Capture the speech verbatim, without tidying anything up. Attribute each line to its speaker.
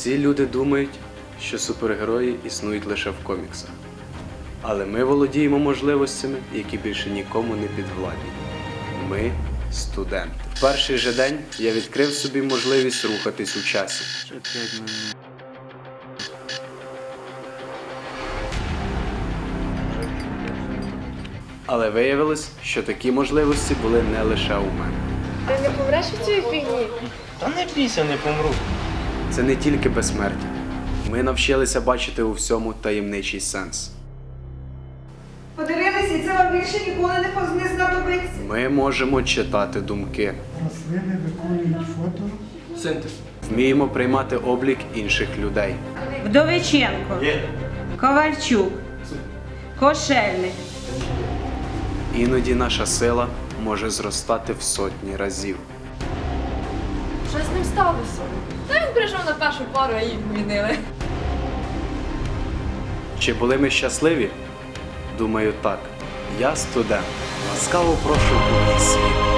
Speaker 1: Всі люди думають, що супергерої існують лише в коміксах. Але ми володіємо можливостями, які більше нікому не підвладні. Ми – студенти. В перший же день я відкрив собі можливість рухатись у часі. Але виявилось, що такі можливості були не лише у мене.
Speaker 2: Ти не помреш від цієї фігні?
Speaker 3: Та не бійся, не помру.
Speaker 1: Це не тільки безсмертя. Ми навчилися бачити у всьому таємничий сенс.
Speaker 4: Подивилися, і це вам більше ніколи не поз- не знадобиться.
Speaker 1: Ми можемо читати думки.
Speaker 5: Рослини виконують фотосинтез.
Speaker 1: Вміємо приймати облік інших людей.
Speaker 6: Вдовиченко, Ковальчук, Кошельник.
Speaker 1: Іноді наша сила може зростати в сотні разів.
Speaker 2: Що з ним сталося? Та він прийшов на першу пару, а їх змінили.
Speaker 1: Чи були ми щасливі? Думаю, так. Я студент. Ласкаво прошу у мій світ.